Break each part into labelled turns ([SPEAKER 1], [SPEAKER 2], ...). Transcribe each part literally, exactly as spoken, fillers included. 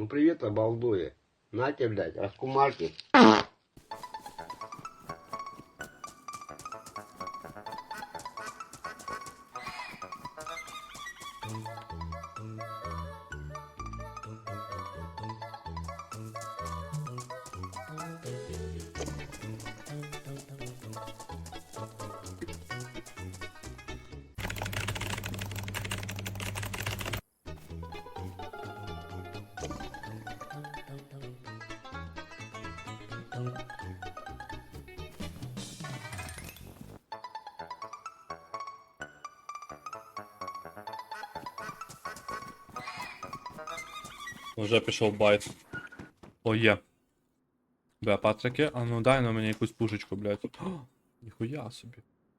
[SPEAKER 1] Ну привет, обалдуя. На тебе, блядь, раскумарки.
[SPEAKER 2] Вже пішов байт. О, є. Бля, патрики, а ну дай на мені якусь пушечку, блядь. О, ніхуя собі.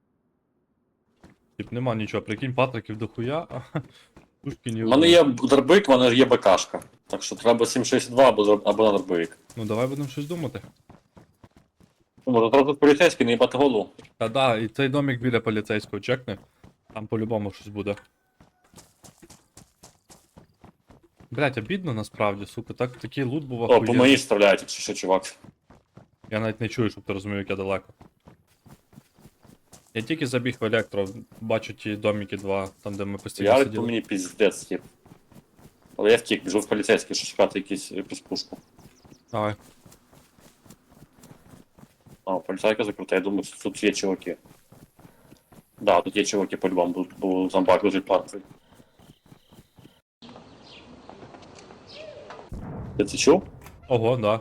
[SPEAKER 2] Тип нема нічого, прикинь, патриків дохуя, а пушки ні.
[SPEAKER 3] У мене є дробовик, в мене ж є БКшка. Так що треба сім шістдесят два або, дроб- або на дробовик.
[SPEAKER 2] Ну давай будемо щось думати.
[SPEAKER 3] Ну, може, одразу поліцейський, не їбати голову.
[SPEAKER 2] Та да, і цей домик біля поліцейського чекни. Там по-любому щось буде. Блять, обідно насправді, сука, так такий лут був
[SPEAKER 3] О, по
[SPEAKER 2] охуєнний.
[SPEAKER 3] мені стріляють, якщо що, чувак.
[SPEAKER 2] Я навіть не чую, щоб ти розумів, як я далеко. Я тільки забіг в електро, бачу ті домики два, там де ми постійно
[SPEAKER 3] Ярик по
[SPEAKER 2] сиділи.
[SPEAKER 3] мені піздець, тип. Але я втік, біжу в поліцейський, щоб шукати якісь, якусь пушку.
[SPEAKER 2] Давай.
[SPEAKER 3] А, поліцейка закрута, я думаю, що тут є чуваки. Да, тут є чуваки по-любому, бо, бо зомбак лежить паркою. Ти це чув?
[SPEAKER 2] Ого, да.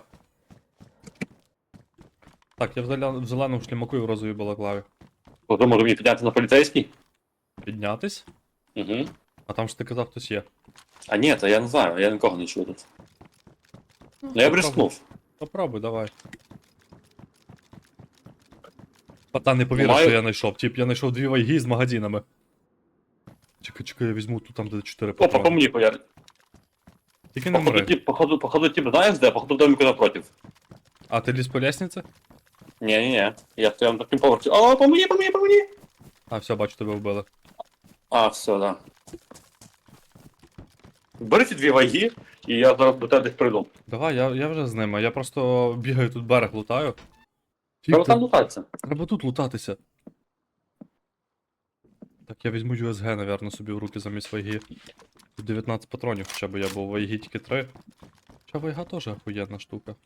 [SPEAKER 2] Так, я в, зеля... в зеленому шлімаку і в розовій балаклаві.
[SPEAKER 3] Хто може мені підняти на поліцейський?
[SPEAKER 2] Піднятись?
[SPEAKER 3] Угу.
[SPEAKER 2] А там ж ти казав, хтось є.
[SPEAKER 3] А ні, то я не знаю, я нікого не чую тут. Ну я б рискнув.
[SPEAKER 2] Попробуй, давай. Пацан не повірив,
[SPEAKER 3] Маю-
[SPEAKER 2] що я знайшов. Тип, я знайшов дві вайги з магазинами. Чекай, чекай, я візьму тут там, де чотири
[SPEAKER 3] Опа, по
[SPEAKER 2] патрони.
[SPEAKER 3] мені пояр.
[SPEAKER 2] Тільки не
[SPEAKER 3] Походу,
[SPEAKER 2] мри.
[SPEAKER 3] тип, походу, походу, тип, знаєш де? Походу, в домику напротив.
[SPEAKER 2] А ти ліз по лестниці?
[SPEAKER 3] Ні-ні-ні, я в твоєму таким поверсі. О, по мені, по мені, по мені!
[SPEAKER 2] А, все, бачу, тебе вбили.
[SPEAKER 3] А, все, да. Бери ці дві ваги, і я зараз до тебе десь прийду.
[SPEAKER 2] Давай, я, я вже з ними. Я просто бігаю тут берег лутаю. Тип,
[SPEAKER 3] Треба
[SPEAKER 2] та-
[SPEAKER 3] там лутатися.
[SPEAKER 2] Треба тут лутатися. Так, я візьму ю ес ге, навірно, собі в руки замість вайги. Тут дев'ятнадцять патронів хоча б я, бо в вайгі тільки три. Хоча вайга теж охуєнна штука.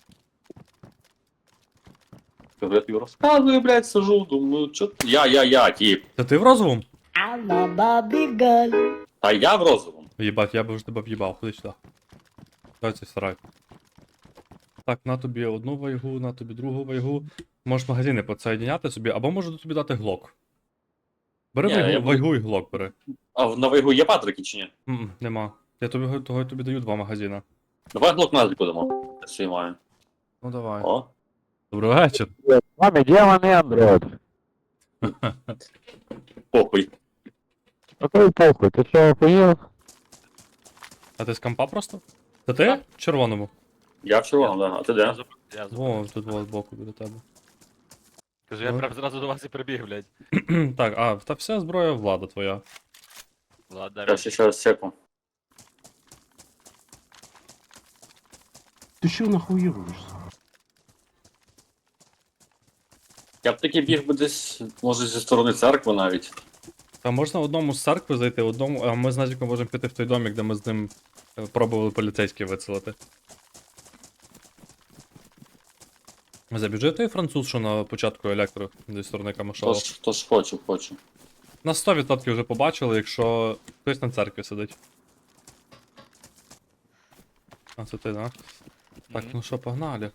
[SPEAKER 3] Я тобі розказую, блядь, сижу, думаю, чо... Я, я, я, тип.
[SPEAKER 2] Та ти в розовому?
[SPEAKER 4] I'm a Barbie girl.
[SPEAKER 3] Та я в розовому.
[SPEAKER 2] Єбать, я би вже тебе в'їбав, ходи сюди. Дай цей сарай. Так, на тобі одну вайгу, на тобі другу вайгу. Можеш магазини підсоєдняти собі, або можу тобі дати глок. Бери
[SPEAKER 3] Ні,
[SPEAKER 2] вайгу,
[SPEAKER 3] я буду-
[SPEAKER 2] вайгу і глок бери.
[SPEAKER 3] А в- на вайгу є патрики чи ні?
[SPEAKER 2] М-м, нема. Я тобі, того, тобі даю два магазини.
[SPEAKER 3] Давай глок назад будемо. Я свій маю.
[SPEAKER 2] Ну давай.
[SPEAKER 3] О.
[SPEAKER 2] Добрий вечір.
[SPEAKER 5] Маме, демоны Android.
[SPEAKER 3] Похуй.
[SPEAKER 5] Какой похуй, ты что, охуел?
[SPEAKER 2] А ти з компа просто? Це ти?
[SPEAKER 3] Так.
[SPEAKER 2] В червоному.
[SPEAKER 3] Я в червоному, да. А ти де?
[SPEAKER 6] Я
[SPEAKER 2] О, тут во збоку біля тебе.
[SPEAKER 6] Кажу, я
[SPEAKER 2] Ну.
[SPEAKER 6] прям зразу до вас і прибіг, блядь.
[SPEAKER 2] Так, а, та вся зброя влада твоя.
[SPEAKER 6] Ладно,
[SPEAKER 3] Я ще раз секу.
[SPEAKER 1] Ты что нахуируешь?
[SPEAKER 3] Я б таки біг би десь, може, зі сторони церкви навіть.
[SPEAKER 2] Та можна одному з церкви зайти, одному, а ми з Назіком можемо піти в той домик, де ми з ним е, пробували поліцейські вицелити. Забіжи той француз, що на початку електро зі сторони Камашова.
[SPEAKER 3] Тож, тож хочу, хочу.
[SPEAKER 2] Нас сто відсотків вже побачили, якщо хтось на церкві сидить. А це ти, да? Так,
[SPEAKER 6] Мгм.
[SPEAKER 2] ну що, погнали.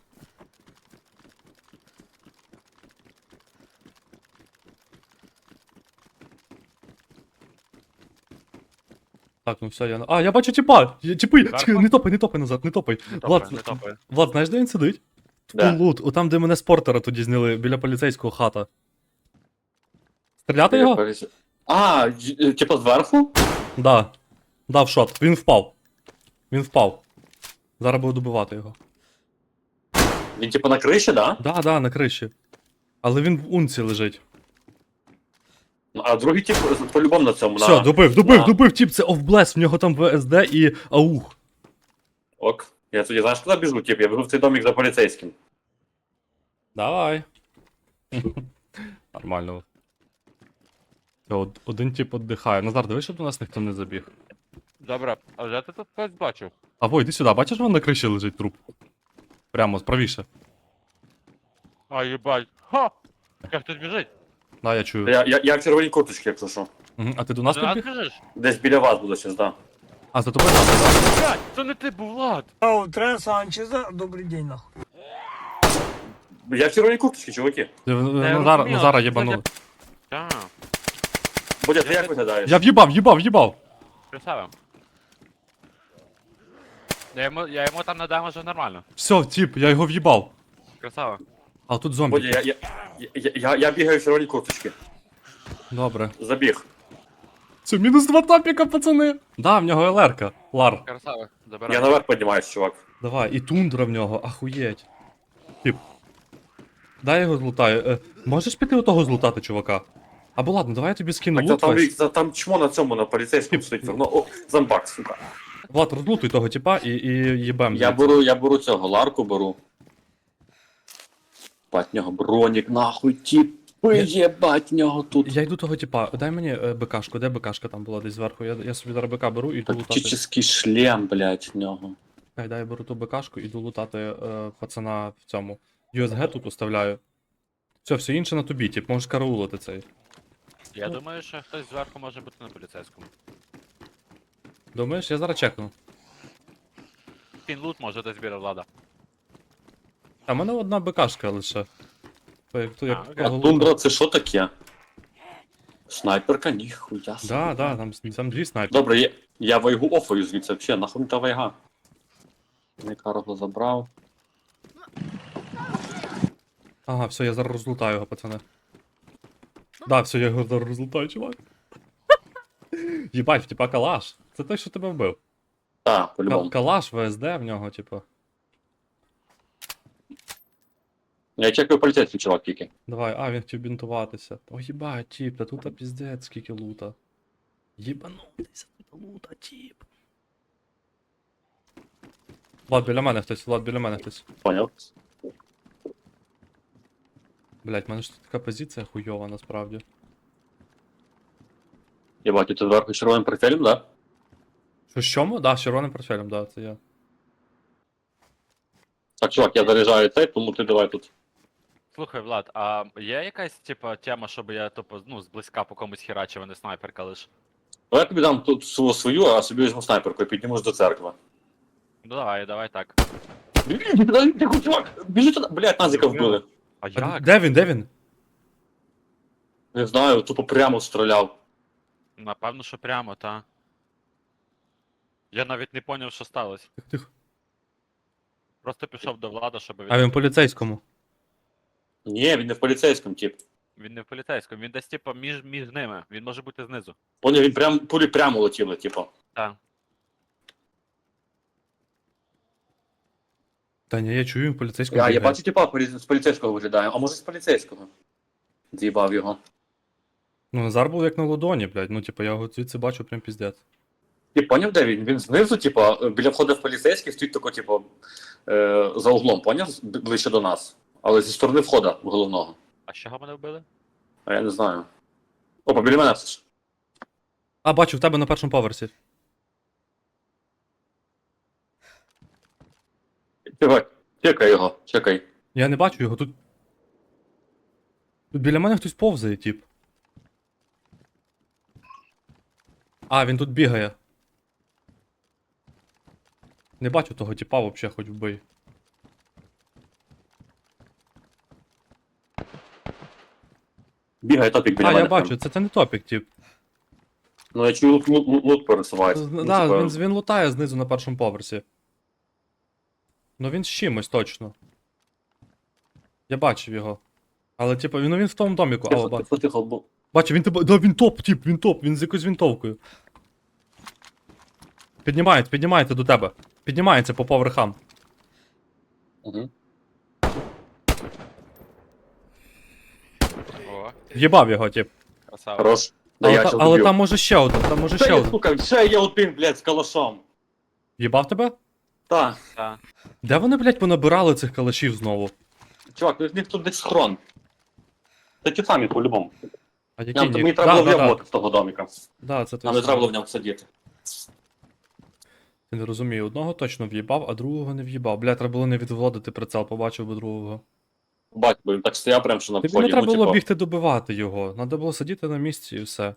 [SPEAKER 2] Так, ну все, я... на- А, я бачу тіпа! Я- Тіпи!
[SPEAKER 6] Карпа?
[SPEAKER 2] Чекай, не топай, не топай назад, не топай.
[SPEAKER 6] Не
[SPEAKER 2] Влад,
[SPEAKER 6] топає, не топає.
[SPEAKER 2] Влад, знаєш, де він сидить?
[SPEAKER 3] Де?
[SPEAKER 2] Типу лут, отам, де мене з портера тоді зняли, біля поліцейського хата. Стріляти його?
[SPEAKER 3] А, й- е, типу зверху?
[SPEAKER 2] Да. Дав шот. Він впав. Він впав. Зараз буду добивати його.
[SPEAKER 3] Він типу на криші, да?
[SPEAKER 2] Да, да, на криші. Але він в унці лежить.
[SPEAKER 3] Ну, а другий тип по-любому на цьому,
[SPEAKER 2] Все,
[SPEAKER 3] на...
[SPEAKER 2] добив, добив,
[SPEAKER 3] на-
[SPEAKER 2] добив, тіп, це офблес, в нього там ВСД і аух.
[SPEAKER 3] Ок. Я тоді, знаєш, куди біжу, тип? Я біжу в цей домик за поліцейським.
[SPEAKER 2] Давай. Нормально. Все, од- один тип віддихає. Назар, дивись, щоб до нас ніхто не забіг.
[SPEAKER 6] Добре, а вже ти тут когось бачив?
[SPEAKER 2] А во, йди сюди, бачиш, вон на криші лежить труп. Прямо, правіше.
[SPEAKER 6] А, їбать. Ха! Як тут біжить?
[SPEAKER 2] Да, я чую.
[SPEAKER 3] Я, я, я в червоній курточці, якщо що.
[SPEAKER 2] Мгм. А ти до нас
[SPEAKER 6] До нас
[SPEAKER 2] підбіг?
[SPEAKER 6] біжиш?
[SPEAKER 3] Десь біля вас буду зараз, да.
[SPEAKER 2] А, за тобою надо, да?
[SPEAKER 6] Блядь, це не ти був, Влад!
[SPEAKER 4] О, Трен Санчеза, добрый день, нахуй.
[SPEAKER 3] Я в червоній курточці, чуваки.
[SPEAKER 2] Ти, е,
[SPEAKER 6] я
[SPEAKER 2] Назара,
[SPEAKER 6] розумію,
[SPEAKER 2] Назара
[SPEAKER 6] це
[SPEAKER 2] єбанули.
[SPEAKER 6] Так,
[SPEAKER 3] Бодя, ти як виглядаєш?
[SPEAKER 2] Я в'їбав, в'їбав, в'їбав.
[SPEAKER 6] красава. Я йому, я йому там надам вже нормально.
[SPEAKER 2] Все, тип, я його в'їбав.
[SPEAKER 6] Красава.
[SPEAKER 2] А тут
[SPEAKER 3] Бодя,
[SPEAKER 2] зомбі.
[SPEAKER 3] я, я, я, я, я бігаю в червоній курточці.
[SPEAKER 2] Добре.
[SPEAKER 3] Забіг.
[SPEAKER 2] Це мінус два тапіка, пацани. Да, в нього ЛРка. Лар.
[SPEAKER 6] Красава. Забирай.
[SPEAKER 3] Я наверх піднімаюсь, чувак.
[SPEAKER 2] Давай, і тундра в нього, ахуєть. Тип. Дай я його злутаю. Е, можеш піти отого злутати, чувака? Або ладно, давай я тобі скину
[SPEAKER 3] Так, та
[SPEAKER 2] лут
[SPEAKER 3] там,
[SPEAKER 2] весь.
[SPEAKER 3] та там чмо на цьому, на поліцейському стоїть. Ну, о, зомбак, сука.
[SPEAKER 2] Влад, розлутуй того типа і, і їбем.
[SPEAKER 3] Я
[SPEAKER 2] звідси.
[SPEAKER 3] беру, я беру цього, ларку беру. Бать, нього бронік, нахуй, тіпи, єбать, нього тут.
[SPEAKER 2] Я йду того типа, дай мені е, БКшку, де БКшка там була десь зверху. Я, я собі зараз БК беру і йду лутати.
[SPEAKER 3] Тактичний шлем, блядь, в нього.
[SPEAKER 2] Дай, дай я беру ту БКшку, іду лутати е, пацана в цьому. ю ес джі тут оставляю. Все, все інше на тобі, тип, можеш караулити цей.
[SPEAKER 6] Я думаю, що хтось зверху може бути на поліцейському.
[SPEAKER 2] Думаєш, я зараз чекну.
[SPEAKER 6] Кінь лут може десь біля Влада.
[SPEAKER 2] А в мене одна БКшка лише. То як, то, як
[SPEAKER 6] А, окей.
[SPEAKER 3] А
[SPEAKER 2] того
[SPEAKER 3] тундра
[SPEAKER 2] лута.
[SPEAKER 3] це що таке? Снайперка, ніхуя. собі.
[SPEAKER 2] Да, да, там, там дві снайпери.
[SPEAKER 3] Добре, я, я вайгу офаю звідси, взагалі, нахуй мені та вайга. Я карго забрав.
[SPEAKER 2] Ага, все, я зараз розлутаю його, пацани. Да, все, я його зараз розлутаю, чувак. Єбать, типа калаш. Це той, що тебе вбив.
[SPEAKER 3] Так,
[SPEAKER 2] Ка-
[SPEAKER 3] по-любому.
[SPEAKER 2] Калаш, ВСД в нього, типу.
[SPEAKER 3] Я чекаю поліцейський чувак тільки.
[SPEAKER 2] Давай, а, він хотів бінтуватися. О, їбать, тіп, та тут піздець, скільки лута. Єбанутися, тут лута, тіп. Влад, біля мене хтось, Влад, біля мене хтось.
[SPEAKER 3] Поняв?
[SPEAKER 2] Блять, в мене ж тут така позиція хуйова, насправді.
[SPEAKER 3] Єбать, ти зверху червоним портфелем, да?
[SPEAKER 2] Що, з чому? Да, з червоним портфелем, да, це я.
[SPEAKER 3] Так, чувак, я заряджаю цей, тому ти давай тут.
[SPEAKER 6] Слухай, Влад, а є якась, типа, тема, щоб я тупо, ну, зблизька по комусь херачив, а не снайперка лиш?
[SPEAKER 3] Ну я тобі дам тут свою, свою, а собі візьму снайперку і піднімусь до церкви.
[SPEAKER 6] Ну давай, давай так.
[SPEAKER 3] Блін, ти чувак, біжи туди. Блядь, назика вбили.
[SPEAKER 6] А
[SPEAKER 2] А
[SPEAKER 6] як?
[SPEAKER 2] де він, де він?
[SPEAKER 3] Не знаю, тупо прямо стріляв.
[SPEAKER 6] Напевно, що прямо, та. Я навіть не поняв, що сталося.
[SPEAKER 2] Тихо, тихо.
[SPEAKER 6] Просто пішов до Влада, щоб він.
[SPEAKER 2] А він поліцейському.
[SPEAKER 3] Ні, він не в поліцейському, тип.
[SPEAKER 6] Він не в поліцейському, він десь типа між, між ними. Він може бути знизу.
[SPEAKER 3] Поняв, він прям, пулі прямо летіли, типу.
[SPEAKER 6] Так.
[SPEAKER 2] Та ні, я чую, він поліцейському.
[SPEAKER 3] Я, я
[SPEAKER 2] бігає.
[SPEAKER 3] бачу, типа, полі- з поліцейського виглядає, а може з поліцейського. З'їбав його.
[SPEAKER 2] Ну, Назар був як на ладоні, блядь. Ну, типу, я його звідси бачу прям піздець.
[SPEAKER 3] Ти поняв, де він? Він знизу, типа, біля входу в поліцейський стоїть тако, типу, е, за углом, поняв? Б- Ближче до нас. Але зі сторони входу головного.
[SPEAKER 6] А з чого мене вбили?
[SPEAKER 3] А я не знаю. Опа, біля мене все ж.
[SPEAKER 2] А, бачу, в тебе на першому поверсі.
[SPEAKER 3] Чекай, чекай його, чекай.
[SPEAKER 2] Я не бачу його тут. Тут біля мене хтось повзає, тип. А, він тут бігає. Не бачу того типа вообще, хоч вбий.
[SPEAKER 3] Бігає топік біля
[SPEAKER 2] А,
[SPEAKER 3] мене.
[SPEAKER 2] я
[SPEAKER 3] прям.
[SPEAKER 2] бачу, це, це не топік, тип.
[SPEAKER 3] Ну я чую, лут, лут, лут, лут пересувається. Ну,
[SPEAKER 2] Да,
[SPEAKER 3] типа,
[SPEAKER 2] він, він лутає знизу на першому поверсі. Ну він з чимось точно. Я бачив його. Але типу, він, ну, він в тому доміку.
[SPEAKER 3] Тихо,
[SPEAKER 2] Алло, ба...
[SPEAKER 3] тихо, тихо, бо-
[SPEAKER 2] Бачу, він тебе. Да, він топ, тип, він топ, він з якоюсь вінтовкою. Піднімається, піднімається до тебе. Піднімається по поверхам.
[SPEAKER 3] Мгм.
[SPEAKER 6] О,
[SPEAKER 2] В'єбав його, тип.
[SPEAKER 6] красава.
[SPEAKER 3] Хорош. Да
[SPEAKER 2] Але,
[SPEAKER 3] я
[SPEAKER 2] та-
[SPEAKER 3] щас
[SPEAKER 2] але
[SPEAKER 3] доб'ю.
[SPEAKER 2] там може ще один, там може
[SPEAKER 3] Ще
[SPEAKER 2] ще
[SPEAKER 3] є,
[SPEAKER 2] один.
[SPEAKER 3] сука, ще є один, блядь, з калашом.
[SPEAKER 2] В'єбав тебе?
[SPEAKER 3] Так.
[SPEAKER 6] Та.
[SPEAKER 2] Де вони, блядь, понабирали цих калашів знову?
[SPEAKER 3] Чувак, у них тут десь схрон. Це ті самі по-любому.
[SPEAKER 2] А які
[SPEAKER 3] Нам
[SPEAKER 2] ні?
[SPEAKER 3] мені треба
[SPEAKER 2] Да,
[SPEAKER 3] було
[SPEAKER 2] да, да.
[SPEAKER 3] в'єбувати з того доміка.
[SPEAKER 2] Да, це той
[SPEAKER 3] Нам не треба
[SPEAKER 2] самий.
[SPEAKER 3] було в ньому сидіти.
[SPEAKER 2] Я не розумію, одного точно в'їбав, а другого не в'їбав. Бля, треба було не відводити прицел, побачив би другого.
[SPEAKER 3] Бать, бо він так стояв прям, що на
[SPEAKER 2] Тобі
[SPEAKER 3] вході.
[SPEAKER 2] не треба
[SPEAKER 3] ну,
[SPEAKER 2] було
[SPEAKER 3] типу,
[SPEAKER 2] бігти добивати його. Треба було сидіти на місці і все.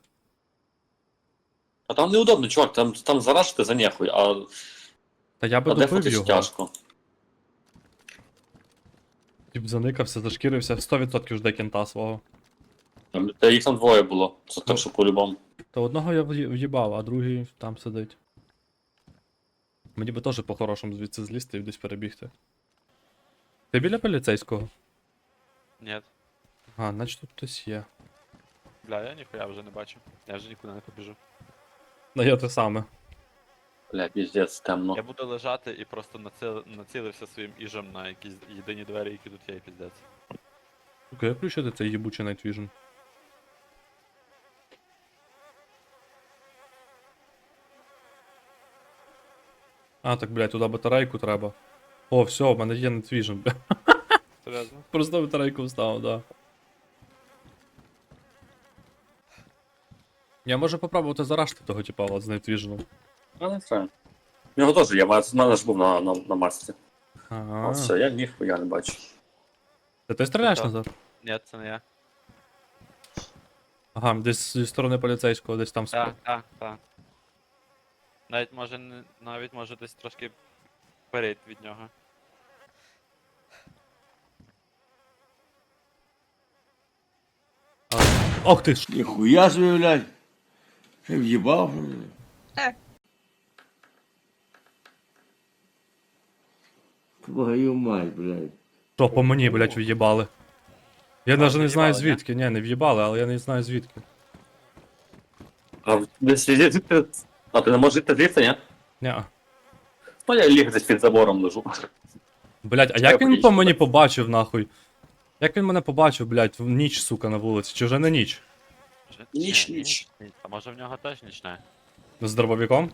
[SPEAKER 3] А там неудобно, чувак, там, там зарашити за нехуй, а,
[SPEAKER 2] Та я би
[SPEAKER 3] а
[SPEAKER 2] добив
[SPEAKER 3] дефатись
[SPEAKER 2] його.
[SPEAKER 3] тяжко.
[SPEAKER 2] Тіп заникався, зашкірився, сто відсотків жде кента свого.
[SPEAKER 3] Там- Та їх там двоє було, це
[SPEAKER 2] Ну.
[SPEAKER 3] так, що по-любому.
[SPEAKER 2] Та одного я в'ї- в'їбав, а другий там сидить. Мені би теж по-хорошому звідси злізти і десь перебігти. Ти біля поліцейського?
[SPEAKER 6] Ні.
[SPEAKER 2] А, значить тут хтось є.
[SPEAKER 6] Бля, я ніхуя вже не бачу. Я вже нікуди не побіжу.
[SPEAKER 2] Ну я те саме.
[SPEAKER 3] Бля, піздець, темно.
[SPEAKER 6] Я буду лежати і просто націл... націлився своїм іжем на якісь єдині двері, які тут є, і піздець.
[SPEAKER 2] Сука, як включити цей їбучий Night Vision? А, так, блядь, туди батарейку треба. О, все, в мене є Night Vision, бля.
[SPEAKER 6] Серйозно?
[SPEAKER 2] Просто батарейку вставив, да. Я можу попробувати зарашити того типа от з Night Vision.
[SPEAKER 3] А не все. У нього теж є, в мене ж був на, на, на масці. А
[SPEAKER 2] Ага.
[SPEAKER 3] все, я ніхуя не бачу.
[SPEAKER 2] Це ти стріляєш
[SPEAKER 6] Що?
[SPEAKER 2] назад?
[SPEAKER 6] Ні, це не я.
[SPEAKER 2] Ага, десь зі сторони поліцейського, десь там
[SPEAKER 6] Так, так, так. Навіть може не- навіть може десь трошки вперед від нього.
[SPEAKER 2] Ох ти ж!
[SPEAKER 7] Ніхуя собі, блядь. Ти в'їбав, блядь. Твою мать, блядь.
[SPEAKER 2] Що по мені, блядь, в'їбали? Я навіть не знаю
[SPEAKER 6] в'їбали, ні?
[SPEAKER 2] звідки, ні, не в'їбали, але я не знаю звідки.
[SPEAKER 3] А десь звідти. А ти не можеш йти звідси, ні?
[SPEAKER 2] Ня.
[SPEAKER 3] Ну я ліг десь під забором лежу.
[SPEAKER 2] Блядь, а
[SPEAKER 3] Чекай,
[SPEAKER 2] як він
[SPEAKER 3] поїдь
[SPEAKER 2] по
[SPEAKER 3] сюди.
[SPEAKER 2] мені побачив, нахуй? Як він мене побачив, блядь, в ніч, сука, на вулиці, чи вже не ніч?
[SPEAKER 6] Може-
[SPEAKER 3] Ніч,
[SPEAKER 6] Ні,
[SPEAKER 3] ніч.
[SPEAKER 6] ні. А може в нього теж нічне?
[SPEAKER 2] З дробовиком?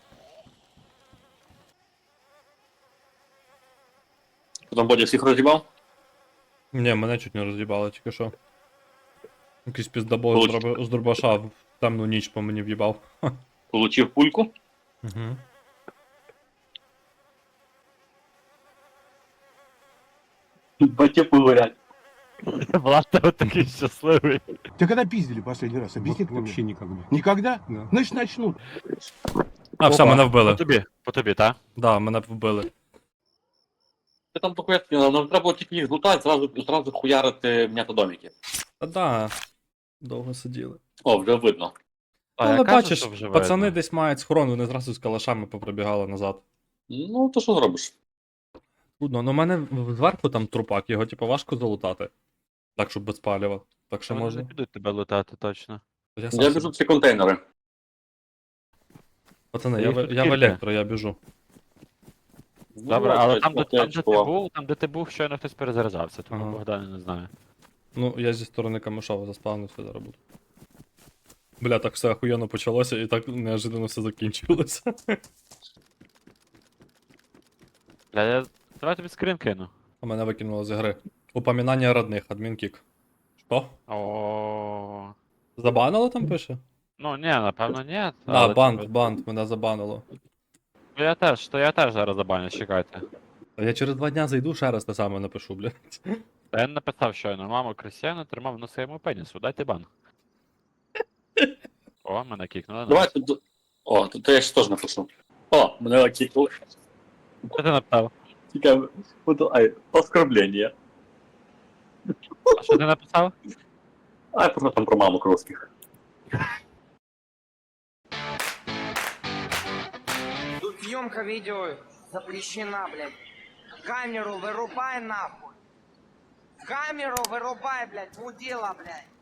[SPEAKER 3] Потім Бодя всіх роз'їбав.
[SPEAKER 2] Ні, мене чуть не роз'їбали, тільки що. Якийсь піздабол з,
[SPEAKER 3] Получ-
[SPEAKER 2] дроби- з дробаша в темну ніч по мені в'їбав.
[SPEAKER 3] Получив пульку.
[SPEAKER 2] Угу.
[SPEAKER 3] Батя погорять.
[SPEAKER 6] Влад от такий щасливий.
[SPEAKER 8] Тебя когда пиздили последний раз? Объясни ты
[SPEAKER 1] Вообще
[SPEAKER 8] мне.
[SPEAKER 1] никогда.
[SPEAKER 8] Никогда?
[SPEAKER 1] Да.
[SPEAKER 8] Значит, начнут.
[SPEAKER 2] А, все,
[SPEAKER 6] Опа,
[SPEAKER 2] мене
[SPEAKER 6] По
[SPEAKER 2] вбили.
[SPEAKER 6] тобі, по тобі, та?
[SPEAKER 2] Да, мене вбили.
[SPEAKER 3] Ти там таке, нам треба було тільки їх злутати, зразу, зразу хуярити м'ятодоміки.
[SPEAKER 2] Та да. Довго сиділи.
[SPEAKER 3] О, вже видно.
[SPEAKER 6] А,
[SPEAKER 2] Але
[SPEAKER 6] я кажу,
[SPEAKER 2] бачиш,
[SPEAKER 6] що вже
[SPEAKER 2] пацани
[SPEAKER 6] видно.
[SPEAKER 2] десь мають схорон, вони зразу з калашами поприбігали назад.
[SPEAKER 3] Ну, то що зробиш?
[SPEAKER 2] Трудно, ну в мене в- зверху там трупак, його типу важко залутати. Так, щоб без палива. Так що
[SPEAKER 6] Вони
[SPEAKER 2] можна.
[SPEAKER 6] не підуть тебе лутати, точно.
[SPEAKER 2] Я сам
[SPEAKER 3] Я
[SPEAKER 2] собі-
[SPEAKER 3] біжу в ці контейнери.
[SPEAKER 2] Пацани,
[SPEAKER 6] Та
[SPEAKER 2] я,
[SPEAKER 6] їх
[SPEAKER 2] в-
[SPEAKER 6] тут
[SPEAKER 2] я в
[SPEAKER 6] кілька.
[SPEAKER 2] електро, я біжу.
[SPEAKER 6] Добре,
[SPEAKER 3] Ну,
[SPEAKER 6] але
[SPEAKER 3] так,
[SPEAKER 6] там, де,
[SPEAKER 3] так,
[SPEAKER 6] там, де ти
[SPEAKER 3] чувак.
[SPEAKER 6] був, там, де ти був, щойно хтось перезаряджався, тому
[SPEAKER 2] Ага.
[SPEAKER 6] Богдан не знаю.
[SPEAKER 2] Ну, я зі сторони Камишова заспавнився, зараз буду. Бля, так все охуєнно почалося і так неожиданно все закінчилося.
[SPEAKER 6] Бля, я... Давай тобі скрін кину.
[SPEAKER 2] А мене викинуло з гри. Упоминання родних, адмінкік. Що?
[SPEAKER 6] О.
[SPEAKER 2] Забанило там пише?
[SPEAKER 6] Ну ні, напевно, ні.
[SPEAKER 2] А,
[SPEAKER 6] але,
[SPEAKER 2] бант,
[SPEAKER 6] типу,
[SPEAKER 2] бант, мене забанило.
[SPEAKER 6] Ну, Я теж, то я теж зараз забаню, чекайте.
[SPEAKER 2] А я через два дня зайду, ще раз те саме напишу, блядь.
[SPEAKER 6] Та я написав щойно, маму Крістіану тримав на своєму пенісу, дайте бан. О, мене кікнули.
[SPEAKER 3] Давай тут. О, то, то я ще теж напишу. О, мене окікнули.
[SPEAKER 6] Що ти написав?
[SPEAKER 3] Цікаво. Буду- Ай, оскорблення.
[SPEAKER 6] А що ти написав?
[SPEAKER 3] Ай, просто там про маму русских.
[SPEAKER 9] Тут съемка видео запрещена, блядь. Камеру вырубай нахуй. Камеру вырубай, блядь, мудила, блядь.